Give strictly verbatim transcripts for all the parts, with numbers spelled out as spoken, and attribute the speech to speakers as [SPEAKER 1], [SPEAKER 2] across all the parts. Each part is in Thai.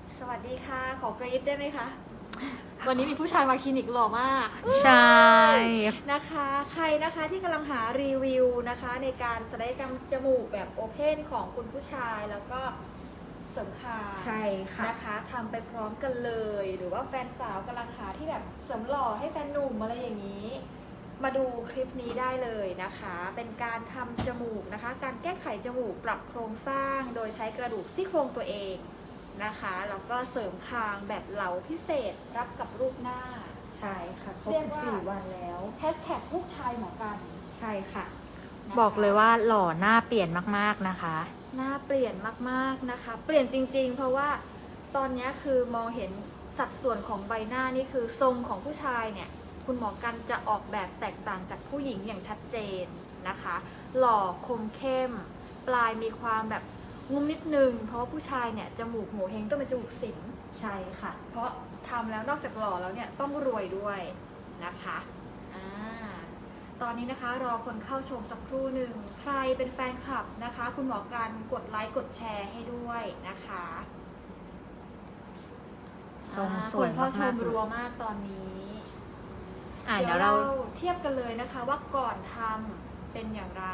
[SPEAKER 1] สวัสดีค่ะ ขอกรี๊ดได้ไหมคะ วันนี้มีผู้ชายมาคลินิกหล่อมาก
[SPEAKER 2] ใช่
[SPEAKER 1] นะคะ ใครนะคะที่กำลังหารีวิวนะคะในการศัลยกรรมจมูกแบบโอเพนของคุณผู้ชายแล้วก็เสริมคาง
[SPEAKER 2] ใช่ค่ะ
[SPEAKER 1] นะคะทำไปพร้อมกันเลย หรือว่าแฟนสาวกำลังหาที่แบบเสริมหล่อให้แฟนหนุ่มอะไรอย่างนี้ มาดูคลิปนี้ได้เลยนะคะ เป็นการทำจมูกนะคะ การแก้ไขจมูกปรับโครงสร้างโดยใช้กระดูกซี่โครงตัวเองนะคะแล้วก็เสริมคางแบบเหลาพิเศษรับกับรูปหน้า
[SPEAKER 2] ใช่ค่ะครบ
[SPEAKER 1] เรียก
[SPEAKER 2] สิบ
[SPEAKER 1] ว่า
[SPEAKER 2] สี่วันแล้ว
[SPEAKER 1] แฮชแท็กลูกชายหมอกัน
[SPEAKER 2] ใช่ค่ะ
[SPEAKER 1] นะคะ
[SPEAKER 3] บอกเลยว่าหล่อหน้าเปลี่ยนมากๆนะคะ
[SPEAKER 1] หน้าเปลี่ยนมากๆนะคะ เปลี่ยนจริงๆ เพราะว่าตอนนี้คือมองเห็นสัดส่วนของใบหน้านี่คือทรงของผู้ชายเนี่ยคุณหมอกันจะออกแบบแตกต่างจากผู้หญิงอย่างชัดเจนนะคะ หล่อคมเข้ม ปลายมีความแบบงุ้มนิดนึงเพราะว่าผู้ชายเนี่ยจมูกโหเฮงต้องเป็นจมูกสิง
[SPEAKER 2] ใช่ค่ะ
[SPEAKER 1] เพราะทำแล้วนอกจากหล่อแล้วเนี่ยต้องรวยด้วยนะคะอ่าตอนนี้นะคะรอคนเข้าชมสักครู่หนึ่งใครเป็นแฟนคลับนะคะ คุณหมอกันกดไลค์กดแชร์ให้ด้วยนะคะ
[SPEAKER 3] ทรง
[SPEAKER 1] อ่า
[SPEAKER 3] สวย
[SPEAKER 1] คนเข้าช
[SPEAKER 3] มาก
[SPEAKER 1] ม
[SPEAKER 3] ๆ
[SPEAKER 1] รัวมากตอนนี้
[SPEAKER 3] อ่ะ
[SPEAKER 1] เดี๋
[SPEAKER 3] เดี๋
[SPEAKER 1] ย
[SPEAKER 3] ยว ว
[SPEAKER 1] เรา
[SPEAKER 3] เรา
[SPEAKER 1] เทียบกันเลยนะคะว่าก่อนทำเป็นอย่างไร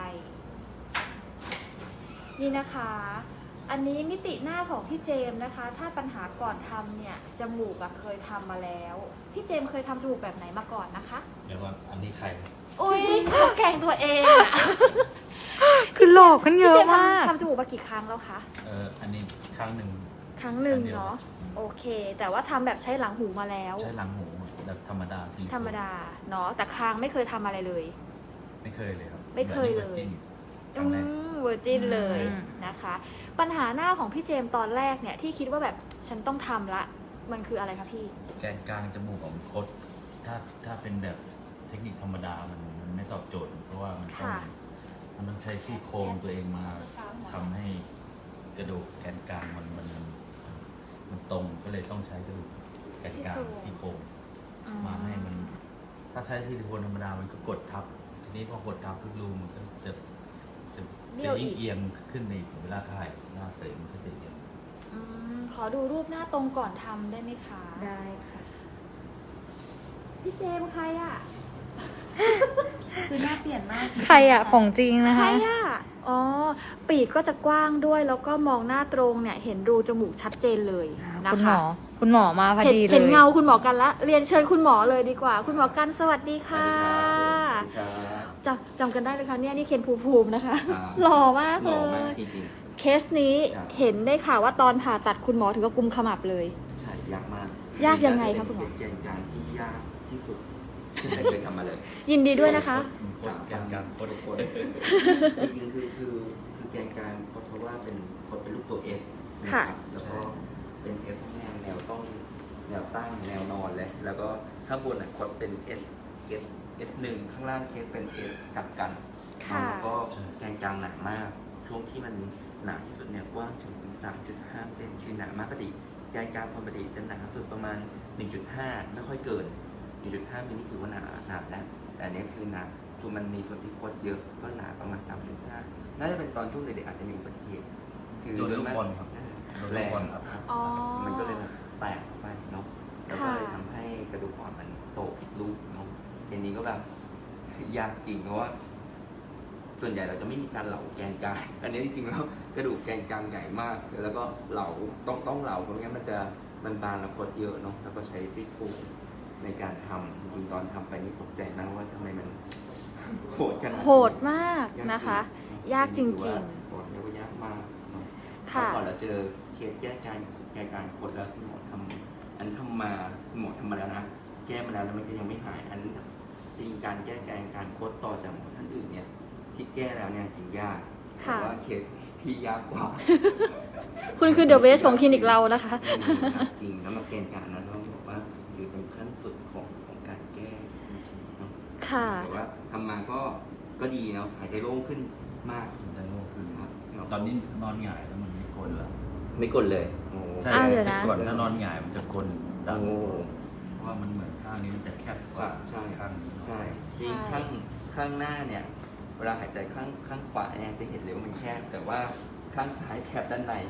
[SPEAKER 1] นี่นะคะ อันนี้มิติหน้าของพี่เจมส์นะคะ ถ้าปัญหาก่อนทำเนี่ยจมูกอะเคยทำมาแล้ว พี่เจมส์เคยทำจมูกแบบไหนมาก่อนนะคะ
[SPEAKER 4] เดี๋ยวก่อนอันนี้ใคร
[SPEAKER 1] อุ้ยแกล้งตัวเองอะ
[SPEAKER 3] คือหลอกกันเย
[SPEAKER 1] พี่
[SPEAKER 3] อะ
[SPEAKER 1] เจมส์
[SPEAKER 3] มาก
[SPEAKER 1] ทำทำจมูกมากี่ครั้งแล้วคะ
[SPEAKER 4] เอออันนี้ครั้งหนึ่ง
[SPEAKER 1] ครั้งหนึ่ง
[SPEAKER 4] ครั้งเดียว
[SPEAKER 1] เนาะโอเค แต่ว่าทำแบบใช้หลังหูมาแล้ว
[SPEAKER 4] ใช้หลังหูแบบธรรมดาซิลิโคน
[SPEAKER 1] ธรรมดาเนาะแต่คางไม่เคยทำอะไรเลย
[SPEAKER 4] ไม่เคยเลยครับ
[SPEAKER 1] ไม่เคยเลย
[SPEAKER 4] ครั้งแรก
[SPEAKER 1] เวอร์จินเลย
[SPEAKER 3] อืม
[SPEAKER 1] นะคะ ปัญหาหน้าของพี่เจมส์ตอนแรกเนี่ยที่คิดว่าแบบฉันต้องทำละ มันคืออะไรคะพี่
[SPEAKER 4] แกนกลางจมูกของคดถ้าถ้าเป็นแบบเทคนิคธรรมดามันมันไม่ตอบโจทย์ เพราะว่ามันต้อง
[SPEAKER 1] ค่ะ
[SPEAKER 4] มันต้องใช้ซี่โครงตัวเองมาทำให้กระดูกแกนกลางมันมันมันมันตรงก็เลยต้องใช้กระดูกแกนกลางซี่โครงมาให้มัน ถ้าใช้ซิลิโคนธรรมดามันก็กดทับ ทีนี้พอกดทับทุกรูมันก็จะจะ
[SPEAKER 1] เบี้
[SPEAKER 4] จะ
[SPEAKER 1] ยวอี
[SPEAKER 4] ยิ่ง
[SPEAKER 1] ก
[SPEAKER 4] เอียงขึ้นในเวลาถ่ายหน้าเสริมมันก็จะเอียง
[SPEAKER 1] อืมขอดูรูปหน้าตรงก่อนทำได้ไหมคะ
[SPEAKER 2] ได้ค่ะ
[SPEAKER 1] พี่เจมส์ใครอะ
[SPEAKER 2] คือหน้าเปลี่ยนมาก
[SPEAKER 3] ใครอะของจริงนะ
[SPEAKER 1] ใคร
[SPEAKER 3] คะ
[SPEAKER 1] อะอ๋อ ปีกก็จะกว้างด้วย แล้วก็มองหน้าตรงเนี่ย เห็นรูจมูกชัดเจนเลยนะ
[SPEAKER 3] คุณหม
[SPEAKER 1] คะ
[SPEAKER 3] อ คุณหมอมาพอ
[SPEAKER 1] เห็น
[SPEAKER 3] ดีเลย
[SPEAKER 1] เห็นเงาคุณหมอกันละ เรียนเชิญคุณหมอเลยดีกว่า คุณหมอกันสวัสดีค่ะ จำจำกันได้ไหมคะเนี่ยนี่เคนภูมิภูมินะคะ
[SPEAKER 5] ครับ
[SPEAKER 1] หล่อมาก
[SPEAKER 5] ห
[SPEAKER 1] เล
[SPEAKER 5] ล่อมาก
[SPEAKER 1] ย
[SPEAKER 5] จริง
[SPEAKER 1] เคสนี้
[SPEAKER 5] ครับ
[SPEAKER 1] เห็นได้ข่าวว่าตอนผ่าตัดคุณหมอถึงกับกุมขมับเลย
[SPEAKER 5] ๆ ใช่ยากมาก
[SPEAKER 1] ยากยังไงคะคุณหมอ
[SPEAKER 5] เป็นเกณฑ์การที่ยากที่สุดที่เคยทำมาเลย
[SPEAKER 1] ยินดีด้วยนะคะ
[SPEAKER 4] มันโคตรแกนกลางโคตรโคตร
[SPEAKER 5] จริงๆคือคือคือแกนกลางเพราะว่าเป็นคนเป็นรูปตัว S นะ
[SPEAKER 1] ค่ะ
[SPEAKER 5] ครับแล้วก็เป็น S แนวแนวต้องแนวตั้งแนวนอนเลย แล้วก็ข้างบนอ่ะคดเป็น S S S หนึ่งข้างล่างเคสเป็น S กลับกัน
[SPEAKER 1] ค่ะ
[SPEAKER 5] แล้วก็แกนกลางหนามาก ช่วงที่มันหนาที่สุดเนี่ยกว้างถึง สามจุดห้า เซนคือหนามากปกติแกนกลางปกติจะหนาสุดประมาณ หนึ่งจุดห้า ไม่ค่อยเกิน หนึ่งจุดห้า มิลลิถือว่าหนาหนาแล้วแต่อันนี้คือหนาคือมันมีส่วนที่คดเยอะก็หนาประมาณ สามจุดห้า น่าจะเป็นตอนช่วงเด็กๆอาจจะมีอุบัติเหตุคือ
[SPEAKER 4] โดนลูกบอลครับ โดน
[SPEAKER 5] แร
[SPEAKER 4] ลูก
[SPEAKER 5] ง
[SPEAKER 4] บอลครับ
[SPEAKER 1] อ๋อ
[SPEAKER 5] มันก็เลยแบบแตกออกไปเนาะแล้วก็เลย
[SPEAKER 1] ค่ะ
[SPEAKER 5] ทำให้กระดูกอ่อนมันโตผิดรูปเนาะทีนี้ก็แบบ ยากจริงเพราะว่า ส่วนใหญ่เราจะไม่มีการเหลาแกนกลางอันนี้จริงๆแล้วกระดูกแกนกลางใหญ่มาก แล้วก็เหลาต้องต้องเหลาเพราะงั้นมันจะมันบานและคดเยอะเนาะแล้วก็ใช้ซี่โครงในการทำจริงๆตอนทำไปนี่ตกใจมากว่าทำไมมันโหดขนาดนี้
[SPEAKER 1] โหดมากนะคะ ยากจริง
[SPEAKER 5] โหดแล้วก็ยากมากเนาะ
[SPEAKER 1] ๆ ค่ะ
[SPEAKER 5] ก่อนเราเจอเคสแก้การแก้การคดแล้วคุณหมอทำอันทำมาคุณหมอทำมาแล้วนะแก้มาแล้วแล้วมันก็ยังไม่หายอันจริงการแก้การการคดต่อจากหมอท่านอื่นเนี่ยที่แก้แล้วเนี่ยจริงยากแต่
[SPEAKER 1] ค่ะ
[SPEAKER 5] ว่าเคสพี่ยากกว่า
[SPEAKER 1] คุณคือเดอะเบสของคลินิกเรานะคะ
[SPEAKER 5] จริงแล้วมาเกณฑ์การนั้นต้องบอกว่าอยู่ตรงขั้นสุดของของการแก้จริงๆเนาะ
[SPEAKER 1] ค่ะ
[SPEAKER 5] แต่ว่าทำมาก็ก็ดีเนาะหายใจโล่งขึ้นมาก
[SPEAKER 4] ได้โลกขึ้น
[SPEAKER 5] ครับ
[SPEAKER 4] ตอนนี้นอนหงายแล้วมันไม่กลนแล้ว
[SPEAKER 5] ไม่กดเลยโอ้
[SPEAKER 4] ใช่
[SPEAKER 1] อ่ะเดี๋ยวนะ
[SPEAKER 4] แต่ก่อนถ้านอนหงายมันจะกลนดัง
[SPEAKER 5] โอ้
[SPEAKER 4] เพราะว่ามันเหมือนข้างนี้มันจะแคบกว่า
[SPEAKER 5] ใช่
[SPEAKER 4] ข้างนี้
[SPEAKER 5] ใช่จริงข้างข้างหน้าเนี่ย เวลาหายใจข้างข้างขวาเนี่ยจะเห็นเลยว่ามันแคบ แต่ว่าข้างซ้ายแคบด้านใน ข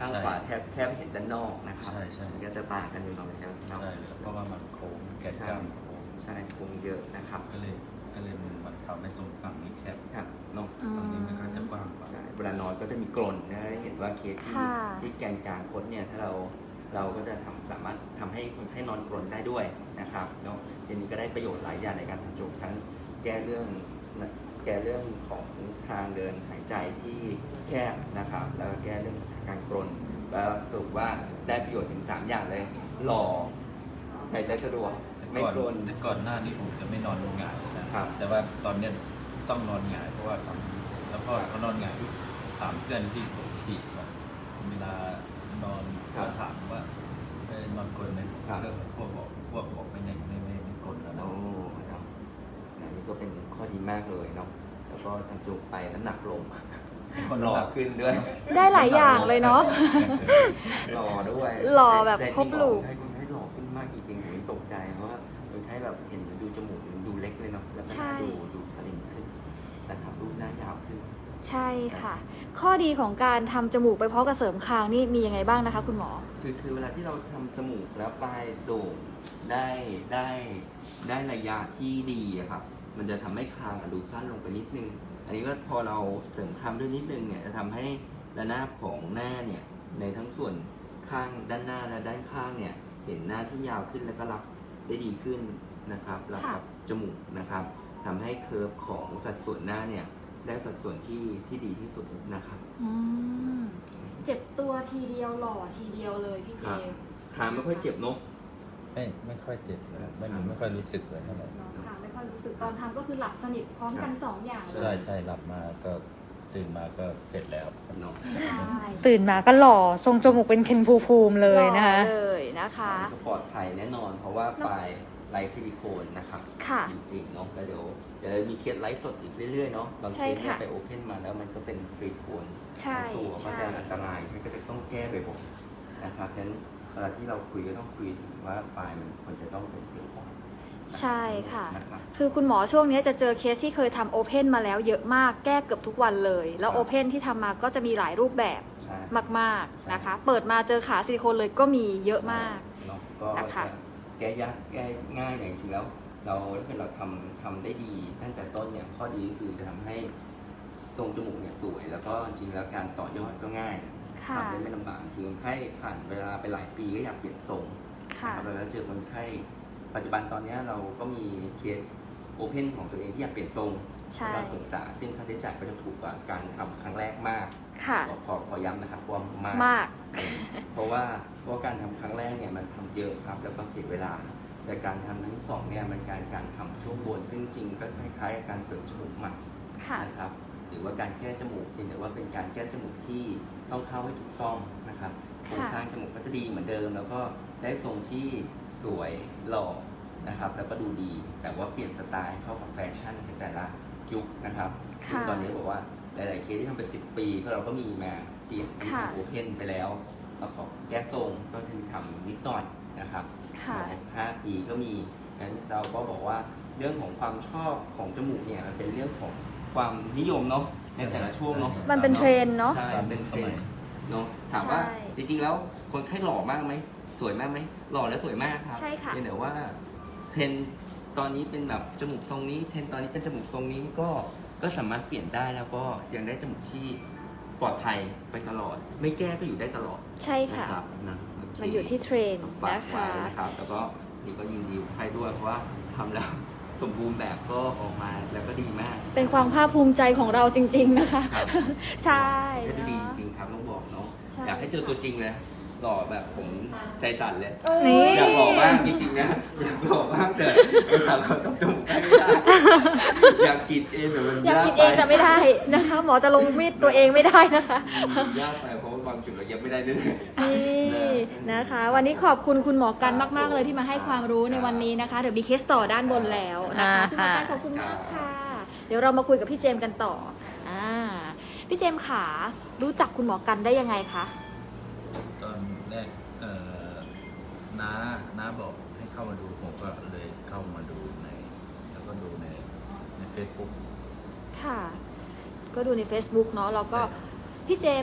[SPEAKER 5] ข้างขวาแทบแทบไม่เห็นด้านนอกนะครับ
[SPEAKER 4] ใช่ใช่
[SPEAKER 5] มันก็จะต่างกันอยู่หน่อยนะครับเนาะ
[SPEAKER 4] ใช่เพราะว่ามันโค้งแกนกลางโค้ง
[SPEAKER 5] ใช่คงเยอะนะครับ
[SPEAKER 4] ก็เลยก็เลยมันทำให้ตรงฝั่งนี้แคบ
[SPEAKER 5] ครับเนาะ
[SPEAKER 3] อืม
[SPEAKER 4] ฝั่งนี้มันก็จะกว้างกว่า
[SPEAKER 5] ใช่เวลานอนก็จะมีกรนนะเห็นว่าเคสที่
[SPEAKER 3] ค่ะ
[SPEAKER 5] ที่แกนกลางคดเนี่ยถ้าเราเราก็จะทำสามารถทำให้คนไข้นอนกรนได้ด้วยนะครับเนาะทีนี้ก็ได้ประโยชน์หลายอย่างในการทำจมูกทั้งแก้เรื่องแก้เรื่องของทางเดินหายใจที่แคบนะครับ แล้วก็แก้เรื่องการกรนแล้วสรุปว่าได้ประโยชน์ถึงสามอย่างเลยหล่อหายใจสะดวก
[SPEAKER 4] แต่
[SPEAKER 5] ไม่
[SPEAKER 4] ก่อน
[SPEAKER 5] กรน
[SPEAKER 4] แต่ก่อนหน้านี้ผมจะไม่นอนหงายนะครับ แต่ว่าตอนเนี้ยต้องนอนหงายเพราะว่าทำแล้วพอเขานอนหงายถามเพื่อนที่ปกติว่าเวลานอนก็ถามว่าเอ้ยนอนกลนไหมเพื่อนพวกบอกพวกบอกไม่ไม่ไม่ไม่ไม่กลนแล้วนะ
[SPEAKER 5] โอ้เนาะอันนี้ก็เป็นข้อดีมากเลยเนาะแล้วก็ทำจมูกไปน้ำหนักลง
[SPEAKER 4] คน
[SPEAKER 5] หล่อ
[SPEAKER 4] หลับ
[SPEAKER 5] ขึ้นด้วย
[SPEAKER 3] ได้หลายอย่างเลยเนาะ
[SPEAKER 5] หล่อด้วย
[SPEAKER 3] หล่อแบบ
[SPEAKER 5] ต่จง
[SPEAKER 3] ครบลูก
[SPEAKER 5] คนไข้คนไข้หล่อขึ้นมากจริงๆผมตกใจเพราะว่าคนไข้แบบเห็นดูจมูกมันดูเล็กเลยเนาะแล้วก็
[SPEAKER 1] ใช่
[SPEAKER 5] ดูดูสลิมขึ้นนะครับรูปหน้ายาวขึ้น
[SPEAKER 1] ใช่ค่ะ ข้อดีของการทำจมูกไปพร้อมกับเสริมคางนี่มียังไงบ้างนะคะ คุณหมอ
[SPEAKER 5] คือคือเวลาที่เราทำจมูกแล้วปลายโด่งได้ได้ได้ระยะที่ดีอะครับ มันจะทำให้คางอะดูสั้นลงไปนิดนึง อันนี้ก็พอเราเสริมคำด้วยนิดนึงเนี่ยจะทำให้ระนาบของหน้าเนี่ยในทั้งส่วนข้างด้านหน้าและด้านข้างเนี่ยเห็นหน้าที่ยาวขึ้นแล้วก็รับได้ดีขึ้นนะครับรับกับจมูกนะครับทำให้เคอร์ฟของสัดส่วนหน้าเนี่ยได้สัดส่วนที่ที่ดีที่สุดนะครับ
[SPEAKER 1] อืมเจ็บตัวทีเดียวหล่อทีเดียวเลยพี่เจ
[SPEAKER 5] ครับ
[SPEAKER 1] มส์
[SPEAKER 5] ขาไม่ค่อยเจ็บเนอะ
[SPEAKER 4] ไม่ไม่ค่อยเจ็บเลยไม่ไม่ค่อยรู้สึกเลยเท่าไหร่
[SPEAKER 1] เนาะค่ะไม่ค่อยรู้สึกตอนทำก็คือหลับสนิทพร้อมกันสองอย่างเล
[SPEAKER 4] ใช่
[SPEAKER 1] ย
[SPEAKER 4] ใช่หลับมาก็ตื่นมาก็เสร็จแล้ว
[SPEAKER 5] เนาะ
[SPEAKER 1] ใช่
[SPEAKER 3] ตื่นมาก็หล่อทรงจมูกเป็นเคนภูมิภูมิเลยนะคะ
[SPEAKER 1] หล่อเลยนะคะ
[SPEAKER 5] ก็ปลอดภัยแน่นอน เพราะว่าปลายไลท์ซิลิโคนนะครับ
[SPEAKER 1] ค่ะ
[SPEAKER 5] จริงๆเนาะแล้วเดี๋ยวเดี๋ยวมีเคสไลฟ์สดอีกเรื่อยๆเนาะบางเค
[SPEAKER 1] ใช่
[SPEAKER 5] สเนี่ย
[SPEAKER 1] ค่ะ
[SPEAKER 5] ไปโอเพนมาแล้วมันก็เป็นฟรีโคน
[SPEAKER 1] ใช่
[SPEAKER 5] ตัวก็
[SPEAKER 1] ใช่
[SPEAKER 5] จะอันตรายมันก็จะต้องแก้บ่อยๆนะครับฉะนั้นเวลาที่เราคุยก็ต้องคุยถึงว่าปลายมันควรจะต้องเป็นฟรีโคน
[SPEAKER 1] ใช่ค่ะ
[SPEAKER 5] นะครับ
[SPEAKER 1] คือคุณหมอช่วงนี้จะเจอเคสที่เคยทำโอเพนมาแล้วเยอะมากแก้เกือบทุกวันเลย แล้ว
[SPEAKER 5] ครับ
[SPEAKER 1] โอเพนที่ทำมาก็จะมีหลายรูปแบบ
[SPEAKER 5] ใช่
[SPEAKER 1] มากๆนะคะ เปิดมาเจอขาซิลิโคนเลยก็มีเยอะมาก
[SPEAKER 5] เนาะก็
[SPEAKER 1] นะคะ
[SPEAKER 5] จะแก้ยากแก้ง่ายอย่างจริงๆแล้ว เราถ้าเกิดเราทำทำได้ดีตั้งแต่ต้นเนี่ยข้อดีก็คือจะทำให้ทรงจมูกเนี่ยสวย แล้วก็จริงๆแล้วการต่อยอดก็ง่าย
[SPEAKER 1] ค่ะ
[SPEAKER 5] ทำได้ไม่ลำบากคือคนไข้ผ่านเวลาไปหลายปีก็อยากเปลี่ยนทรง
[SPEAKER 1] ค่ะ
[SPEAKER 5] นะครับแล้วเจอคนไข้ปัจจุบันตอนนี้เราก็มีเคสโอเพนของตัวเองที่อยากเปลี่ยนทรง
[SPEAKER 1] ใช่
[SPEAKER 5] การปรึกษาซึ่งค่าใช้จ่ายก็จะถูกกว่าการทำครั้งแรกมาก
[SPEAKER 1] ค่ะ
[SPEAKER 5] ขอขอขอย้ำนะครับว่ามาก
[SPEAKER 1] มาก
[SPEAKER 5] เพราะว่าเพราะว่าการทำครั้งแรกเนี่ยมันทำเยอะครับแล้วก็เสียเวลา แต่การทำครั้งที่สองเนี่ยมันการการทำช่วงบน ซึ่งจริงก็คล้ายๆกับการเสริมจมูกใหม่
[SPEAKER 1] ค่ะ
[SPEAKER 5] นะครับหรือว่าการแก้จมูกเพียงแต่ว่าเป็นการแก้จมูกที่ต้องเข้าให้ถูกต้องนะครับโครงสร้างจมูกก็จะดีเหมือนเดิม แล้วก็ได้ทรงที่สวยหล่อนะครับ แล้วก็ดูดี แต่ว่าเปลี่ยนสไตล์เข้ากับแฟชั่นในแต่ละยุคนะครับ
[SPEAKER 1] ค่ะ
[SPEAKER 5] ซึ่งตอนนี้บอกว่าหลายๆเคสที่ทำไปสิบปีก็เราก็มีมาเปลี่ยนเป็น
[SPEAKER 1] ค่ะ
[SPEAKER 5] โอเพนไปแล้วแล้วขอแก้ทรงก็คือทำนิดหน่อยนะครับ
[SPEAKER 1] ค่ะ
[SPEAKER 5] ห้าปีก็มีงั้นเราก็บอกว่าเรื่องของความชอบของจมูกเนี่ยมันเป็นเรื่องของความนิยมเนาะในแต่ละช่วงเนาะ
[SPEAKER 1] มันเป็นเทรนด์เนาะ
[SPEAKER 5] ใช่เป็นเทรนด์เนาะถามว่า
[SPEAKER 1] ใช่
[SPEAKER 5] จริงๆแล้วคนไข้หล่อมากไหมสวยมากไหมหล่อและสวยมากครับ
[SPEAKER 1] ใช่ค่ะ
[SPEAKER 5] เพียงแต่ว่าเทรนด์ตอนนี้เป็นแบบจมูกทรงนี้เทรนด์ตอนนี้เป็นจมูกทรงนี้ก็ก็สามารถเปลี่ยนได้แล้วก็ยังได้จมูกที่ปลอดภัยไปตลอด ไม่แก้ก็อยู่ได้ตลอด
[SPEAKER 1] ใช่ค่ะ
[SPEAKER 5] นะครับนะ
[SPEAKER 1] มันอยู่ที่เทรนด์
[SPEAKER 5] ฝาก
[SPEAKER 1] นะ
[SPEAKER 5] ไว้
[SPEAKER 1] คะ
[SPEAKER 5] นะครับแล้วก็นี่ก็ยินดีกับใครด้วยเพราะว่าทำแล้ว สมบูรณ์แบบก็ออกมาแล้วก็ดีมาก
[SPEAKER 1] เป็นความภาคภูมิใจของเราจริง ๆนะคะ
[SPEAKER 5] ครับ
[SPEAKER 1] ใช่
[SPEAKER 5] ก็จะดีจ
[SPEAKER 1] เนาะ
[SPEAKER 5] ริงๆครับต้องบอกเนาะ
[SPEAKER 1] ใช่
[SPEAKER 5] อยากให้เจอตัวจริงเลยหล่อแบบผมใจสั่นเลย
[SPEAKER 1] โอ้
[SPEAKER 3] นี่
[SPEAKER 1] ย
[SPEAKER 5] อยากหล่อมากจริงๆนะอยากหล่อมากแต่แต่เราต้องจมูกให้ไม่ได้อยากคิดเองแต่มัน
[SPEAKER 1] อยาก
[SPEAKER 5] ยาก
[SPEAKER 1] กิน
[SPEAKER 5] ไป
[SPEAKER 1] เองแต่ไม่ได้นะคะ หมอจะลงมีดตัวเองไม่ได้นะคะ
[SPEAKER 5] ยากไปเพราะว่าบางจุดเราเย็บไม่ได้ด้วย
[SPEAKER 1] นี่นะคะ วันนี้ขอบคุณคุณหมอกันมาก ๆ เลยที่มาให้ความรู้ในวันนี้นะคะ เดี๋ยวมีเคสต่อด้านบนแล้วนะคะคุณหมอกันขอบคุณมากค่ะ เดี๋ยวเรามาคุยกับพี่เจมส์กันต่ออ่าพี่เจมส์ขารู้จักคุณหมอกันได้ยังไงคะ
[SPEAKER 4] ตอนแรกเอ่อน้าน้าบอกให้เข้ามาดูผมก็เลยเข้ามาดูใน แล้วก็ดูในในเฟซบุ๊ก
[SPEAKER 1] ค่ะ ก็ดูใน Facebook เนาะแล้วก็พี่เจมส์อ่ะ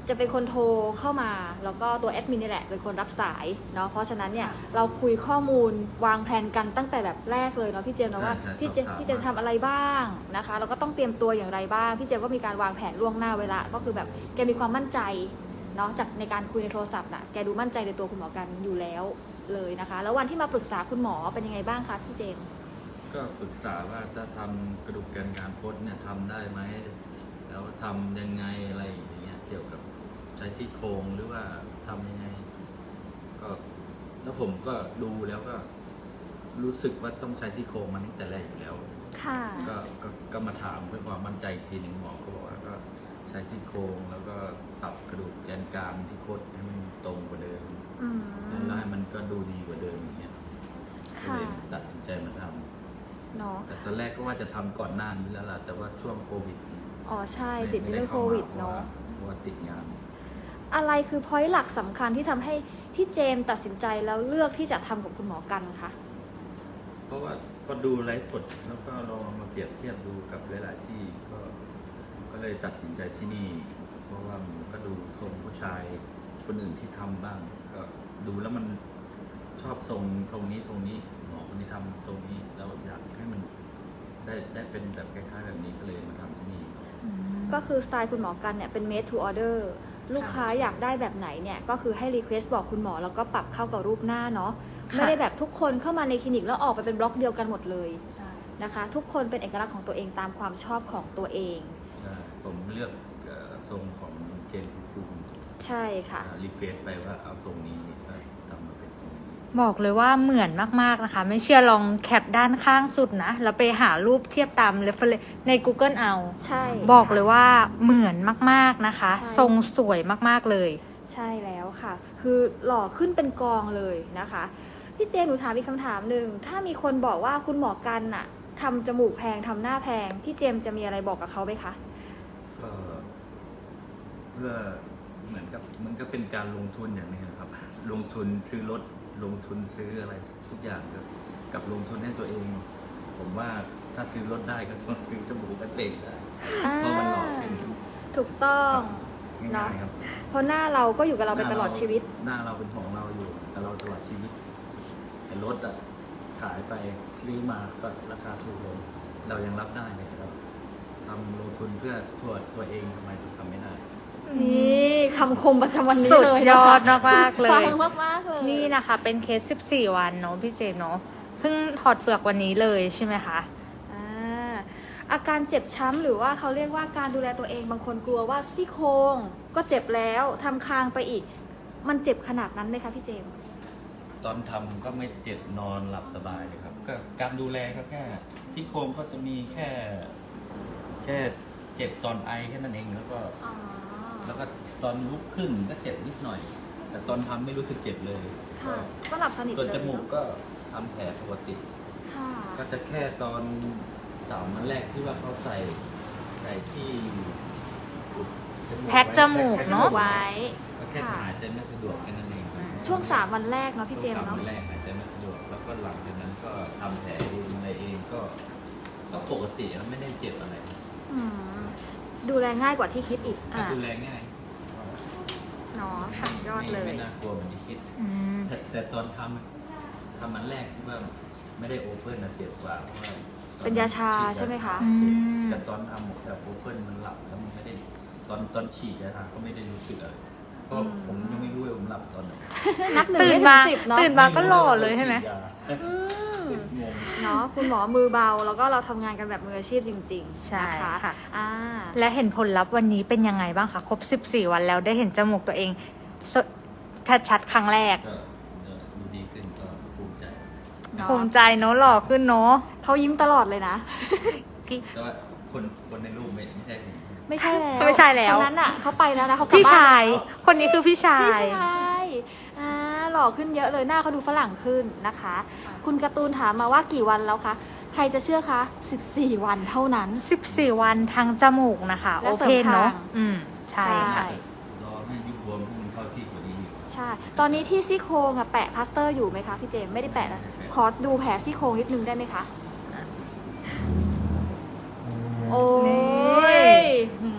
[SPEAKER 1] จะเป็นคนโทรเข้ามาแล้วก็ตัวแอดมินนี่แหละเป็นคนรับสายเนาะเพราะฉะนั้นเนี่ยเราคุยข้อมูลวางแผนกันตั้งแต่แบบแรกเลยเนาะพี่เจมส์เนาะว่า
[SPEAKER 4] ใช่ใช่
[SPEAKER 1] พี่เจมส์
[SPEAKER 4] สอบถาม
[SPEAKER 1] พี่เจมส์ทำอะไรบ้างนะคะแล้วก็ต้องเตรียมตัวอย่างไรบ้างพี่เจมส์ก็มีการวางแผนล่วงหน้าเวลาก็คือแบบแกมีความมั่นใจเนาะจากในการคุยในโทรศัพท์น่ะแกดูมั่นใจในตัวคุณหมอกันอยู่แล้วเลยนะคะ แล้ววันที่มาปรึกษาคุณหมอเป็นยังไงบ้างคะพี่เจมส์
[SPEAKER 4] ก็ปรึกษาว่าถ้าทำกระดูกแกนกลางคดเนี่ยทำได้ไหมแล้วทำยังไงอะไรอย่างเงี้ยเกี่ยวกับใช้ที่โครงหรือว่าทำยังไง ก็แล้วผมก็ดูแล้วก็รู้สึกว่าต้องใช้ที่โครงมันตั้งแต่แรกอยู่แล้ว
[SPEAKER 1] ค่ะ
[SPEAKER 4] ก็ก็ก็มาถามเพื่อความมั่นใจอีกทีหนึ่งหมอก็บอกว่าก็ใช้ที่โครงแล้วก็ปรับกระดูกแกนกลางที่คดให้มันตรงกว่าเดิม
[SPEAKER 1] อืม
[SPEAKER 4] แล้วให้มันก็ดูดีกว่าเดิมอย่างเงี้ยก็
[SPEAKER 1] ค่ะ
[SPEAKER 4] เลยตัดสินใจมาทำ
[SPEAKER 1] เนาะ
[SPEAKER 4] แต่ตอนแรกก็ว่าจะทำก่อนหน้านี้แล้วล่ะแต่ว่าช่วงโควิด
[SPEAKER 1] อ๋อใช่
[SPEAKER 4] ไม่
[SPEAKER 1] ติดในเรื่องโควิดเนาะ
[SPEAKER 4] เพราะว่าติดงาน
[SPEAKER 1] อะไรคือพอยต์หลักสำคัญที่ทำให้พี่เจมส์ตัดสินใจแล้วเลือกที่จะทำกับคุณหมอกันคะ
[SPEAKER 4] เพราะว่าก็ดูไลฟ์สดแล้วก็ลองมาเปรียบเทียบดูกับหลายๆที่ก็ก็เลยตัดสินใจที่นี่ เพราะว่ามันก็ดูทรงผู้ชายคนอื่นที่ทำบ้าง ก็ดูแล้วมันชอบทรงทรงนี้ทรงนี้หมอคนที่ทำทรงนี้แล้วอยากให้มันได้ได้เป็นแบบคล้ายๆแบบนี้ก็เลยมาทำที่นี่
[SPEAKER 1] ก็คือสไตล์คุณหมอกันเนี่ยเป็น made to order ลูกค้าอยากได้แบบไหนเนี่ยก็คือให้ request บอกคุณหมอแล้วก็ปรับเข้ากับรูปหน้าเนาะ
[SPEAKER 3] ค่ะ
[SPEAKER 1] ไม่ได้แบบทุกคนเข้ามาในคลินิกแล้วออกไปเป็นบล็อกเดียวกันหมดเลย
[SPEAKER 2] ใช่
[SPEAKER 1] นะคะ ทุกคนเป็นเอกลักษณ์ของตัวเองตามความชอบของตัวเอง
[SPEAKER 4] ใช่ผมเลือกเอ่อทรงของเกณฑ์ภูมิ
[SPEAKER 1] ใช่ค่ะ
[SPEAKER 4] รีเควสไปว่าเอาทรงนี้ก็ทำมาเป็นทรงนี้
[SPEAKER 3] บอกเลยว่าเหมือนมาก ๆ นะคะ ไม่เชื่อลองแคปด้านข้างสุดนะ แล้วไปหารูปเทียบตาม reference ใน Google เอา
[SPEAKER 1] ใช่
[SPEAKER 3] บอกเลยว่าเหมือนมาก ๆ นะคะ
[SPEAKER 1] ใช่
[SPEAKER 3] ทรงสวยมาก ๆ เลย
[SPEAKER 1] ใช่แล้วค่ะ คือหล่อขึ้นเป็นกองเลยนะคะ พี่เจมส์หนูถามอีกคำถามหนึ่งถ้ามีคนบอกว่าคุณหมอกันน่ะทำจมูกแพงทำหน้าแพงพี่เจมส์จะมีอะไรบอกกับเขาไหมคะ
[SPEAKER 4] ก็เพื่อเหมือนกับมันก็เป็นการลงทุนอย่างหนึงนะครับ ลงทุนซื้อรถลงทุนซื้ออะไรทุกอย่างกับกับลงทุนให้ตัวเอง ผมว่าถ้าซื้อรถได้ก็ต้องซื้อจมูกกันเองได้เพราะมันหล่อขึ้น
[SPEAKER 1] ถูกต้อง
[SPEAKER 4] ง่ายๆครับ
[SPEAKER 1] เพราะหน้าเราก็อยู่กับเราไปตลอดชีวิต
[SPEAKER 4] หน้าเราเป็นของเราอยู่กับเราตลอดชีวิตแต่รถอะขายไปซื้อมาก็ราคาถูกลงเรายังรับได้เลยครับทำลงทุนเพื่อตัวตัวเองทำไมถึงทำไม่ได้
[SPEAKER 1] นี่คำคมประจำวันนี้
[SPEAKER 3] สุด
[SPEAKER 1] เลย
[SPEAKER 3] ย
[SPEAKER 1] นะ
[SPEAKER 3] อ
[SPEAKER 1] คะ
[SPEAKER 3] ดมากๆเลย
[SPEAKER 1] ฟังมากๆเลย
[SPEAKER 3] นี่นะคะ เป็นเคส สิบสี่ วันเนาะพี่เจเนาะเพิ่งถอดเปลือกวันนี้เลยใช่ไหมคะ
[SPEAKER 1] อ่าอาการเจ็บช้ำหรือว่าเขาเรียกว่าการดูแลตัวเองบางคนกลัวว่าซี่โครงก็เจ็บแล้วทำคางไปอีก มันเจ็บขนาดนั้นไหมคะพี่เจมส์
[SPEAKER 4] ตอนทำก็ไม่เจ็บนอนหลับสบายเลยครับ ก็การดูแลก็แค่ที่โครงก็จะมีแค่ แค่เจ็บตอนไอแค่นั้นเองแล้วก็
[SPEAKER 1] อ๋อ
[SPEAKER 4] แล้วก็ตอนลุกขึ้นก็เจ็บนิดหน่อย แต่ตอนทำไม่รู้สึกเจ็บเลย
[SPEAKER 1] ค่ะก็หลับสนิท
[SPEAKER 4] ส่วน
[SPEAKER 1] เลย
[SPEAKER 4] จมูก
[SPEAKER 1] เนอะ
[SPEAKER 4] ก็ทำแผลปกติ
[SPEAKER 1] ค่ะ
[SPEAKER 4] ก็จะแค่ตอนสามวันแรกที่ว่าเขาใส่ใส่ที่อุดมูก
[SPEAKER 3] แพ็คจมูก
[SPEAKER 4] แพ็ค
[SPEAKER 3] เนอะ
[SPEAKER 1] ไว้
[SPEAKER 4] ก็แค่หายใจไม่สะดวกแค่นั้นเองครับ
[SPEAKER 1] ช่วงสามวันแรกเนาะพี่เจม
[SPEAKER 4] ช่ว
[SPEAKER 1] ส์
[SPEAKER 4] งสาม
[SPEAKER 1] เนาะ
[SPEAKER 4] วันแรกหายใจไม่สะดวกแล้วก็หลังจากนั้นก็ทำแผลเองอะไรเองก็ ก็ปกติแล้วไม่ได้เจ็บอะไร
[SPEAKER 1] อืมดูแลง่ายกว่าที่คิดอีก
[SPEAKER 4] ก็
[SPEAKER 1] อ่ะ
[SPEAKER 4] ดูแลง่าย
[SPEAKER 1] เนาะสุดยอดเล
[SPEAKER 4] ไม่
[SPEAKER 1] ย
[SPEAKER 4] ไม่น่ากลัวเหมือนที่คิด
[SPEAKER 3] อืม
[SPEAKER 4] แต่แต่ตอนทำทำมันแรกที่ว่าไม่ได้โอเพ่นนะเจ็บกว่าเพราะว่า
[SPEAKER 1] เป็นยาชาใช่ไหมคะ
[SPEAKER 3] อืม
[SPEAKER 4] แต่ตอนทำแบบโอเพ่นมันหลับแล้วมันไม่ได้ตอนตอนฉีดยาชาก็ไม่ได้รู้สึกอะไรเพราะผมยังไม่รู้ว่าผมหลับตอนไหน
[SPEAKER 1] นับหนึ่ง
[SPEAKER 3] ตื่น
[SPEAKER 1] ไม่ถึ
[SPEAKER 3] มาง
[SPEAKER 1] สิบเนาะ
[SPEAKER 3] ตื่นมาก็หล่อเลยใช่ไหม
[SPEAKER 1] อืม
[SPEAKER 4] งง
[SPEAKER 1] เนาะคุณหมอมือเบาแล้วก็เราทำงานกันแบบมืออาชีพจริงๆ
[SPEAKER 3] ใช่
[SPEAKER 1] นะคะ
[SPEAKER 3] ค่ะ
[SPEAKER 1] อ่า
[SPEAKER 3] และเห็นผลลัพธ์วันนี้เป็นยังไงบ้างคะครบ สิบสี่ วันแล้วได้เห็นจมูกตัวเองสชัดๆครั้งแรก
[SPEAKER 4] ก็ดูดีขึ้นก็ภูมิใจ
[SPEAKER 1] เนาะ
[SPEAKER 3] ภูมิใจเนาะหล่อขึ้นเนาะ
[SPEAKER 1] เขายิ้มตลอดเลยนะ
[SPEAKER 4] แต่ว่าคนคนในรูปไม่ไม่ใช่ผม
[SPEAKER 1] ไม่ใช่แล้ว
[SPEAKER 3] ไม่ใช่แล้ว
[SPEAKER 1] คนนั้นอ่ะเขาไปแล้วนะเขากลับ
[SPEAKER 3] พี่
[SPEAKER 1] บ้าน
[SPEAKER 3] ชาย
[SPEAKER 1] แล้ว
[SPEAKER 3] คนนี้คือพี่ชา
[SPEAKER 1] พี่
[SPEAKER 3] ย
[SPEAKER 1] ชายอ่าหล่อขึ้นเยอะเลยหน้าเขาดูฝรั่งขึ้นนะคะ คุณการ์ตูนถามมาว่ากี่วันแล้วคะใครจะเชื่อคะสิบสี่วันเท่านั้น
[SPEAKER 3] สิบสี่ วันทางจมูกนะคะ
[SPEAKER 1] และ
[SPEAKER 3] โอ
[SPEAKER 1] เสริ
[SPEAKER 3] เพ
[SPEAKER 1] ม
[SPEAKER 3] นเนาะ
[SPEAKER 1] คาง
[SPEAKER 3] อืม ใช่ค่ะ
[SPEAKER 1] ใช่
[SPEAKER 4] รอให้ยุบบวมให้มันเข้าที่กว่านี้อีก
[SPEAKER 1] ใช่ ตอนนี้ที่ซี่โครงอะแปะพลาสเตอร์อยู่ไหมคะพี่เจมส์ไม่ได้แปะนะ ขอดูแผลซี่โครงนิดนึงได้ไหมคะ โอ้
[SPEAKER 3] นี่
[SPEAKER 1] ยหืม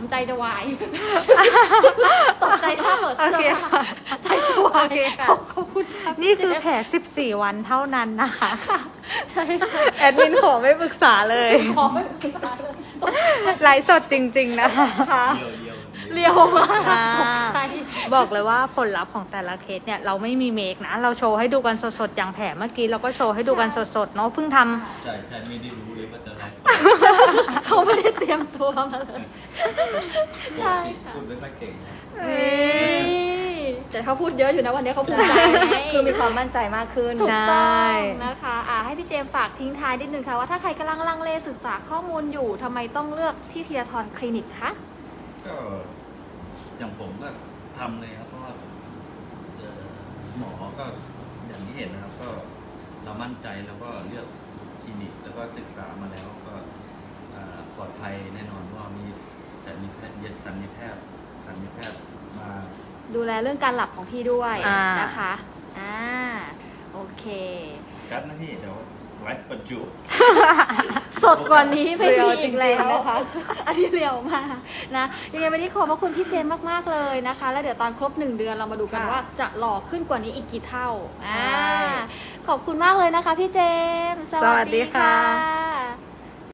[SPEAKER 1] ำใจจะวาย ตกใจถ้าเปิดเสื้อ
[SPEAKER 3] โอเค
[SPEAKER 1] ผ้า
[SPEAKER 3] ค่ะ
[SPEAKER 1] ใจจะวาย
[SPEAKER 3] โอเคค่ะ
[SPEAKER 1] ขอบคุณค่ะ
[SPEAKER 3] นี่คือแผลสิบสี่วันเท่านั้นนะคะ
[SPEAKER 1] ค่ะใช่ค่ะ
[SPEAKER 3] แอดมินขอไม่ปรึกษาเลย
[SPEAKER 1] ขอไม่ปรึกษาเลย
[SPEAKER 3] ไลฟ์สดจริง ๆ นะคะ
[SPEAKER 4] เดียวเดียว
[SPEAKER 1] เรียวมาก
[SPEAKER 3] อ่า
[SPEAKER 1] ตกใจ
[SPEAKER 3] บอกเลยว่าผลลัพธ์ของแต่ละเคสเนี่ยเราไม่มีเมคนะ เราโชว์ให้ดูกันสดๆ อย่างแผลเมื่อกี้เราก็โชว์ให้ดูกันสดๆ เนาะเพิ่งทำ
[SPEAKER 4] ใช่ใช่ไม่ได้รู้เลยว่าจะไลฟ์สด
[SPEAKER 1] เขาไม่ได้เตรียมตัวมาเลย ใช่ค่ะ
[SPEAKER 4] พูดไม่ค่อยเก่ง
[SPEAKER 1] เอ้ยแต่เขาพูดเยอะอยู่นะวันนี้เขาภูมิใจ
[SPEAKER 2] คือมีความมั่นใจมากขึ้น
[SPEAKER 1] ถูก
[SPEAKER 3] ใช่
[SPEAKER 1] ต้องนะคะอ่าให้พี่เจมส์ฝากทิ้งท้ายนิดนึงค่ะว่าถ้าใครกำลังลังเลศึกษาข้อมูลอยู่ทำไมต้องเลือกที่ทีละทอนคลินิกคะ
[SPEAKER 4] ก็อย่างผมก็ทำเลยครับเพราะว่าเจอหมอก็อย่างที่เห็นนะครับ ก็เรามั่นใจแล้วก็เลือกคลินิกแล้วก็ศึกษามาแล้วก็อ่าปลอดภัยแน่นอนเพราะว่ามีสัญญแพทย์เย็นสัญญแพทย์สัญญแพทย์มา
[SPEAKER 1] ดูแลเรื่องการหลับของพี่ด้วย
[SPEAKER 3] อ่าน
[SPEAKER 1] นะคะอ่าโอเค
[SPEAKER 4] กัดนะพี่เดี๋ยวไลฟ์ประจุ
[SPEAKER 1] สดกว่านี้ไม่
[SPEAKER 3] เรียว
[SPEAKER 1] มีอีกแล้ว
[SPEAKER 3] จริงๆนะคะ
[SPEAKER 1] อันนี้เรียวมากนะยังไงวันนี้ขอบพระคุณพี่เจมส์มากๆเลยนะคะ แล้วเดี๋ยวตอนครบหนึ่งเดือนเรามาดูกัน
[SPEAKER 2] ค่ะ
[SPEAKER 1] ว่าจะหล่อขึ้นกว่านี้อีกกี่เท่า
[SPEAKER 2] ใช่
[SPEAKER 1] อ่าขอบคุณมากเลยนะคะพี่เจมส์
[SPEAKER 3] สวัสดีค่ะ
[SPEAKER 1] ะ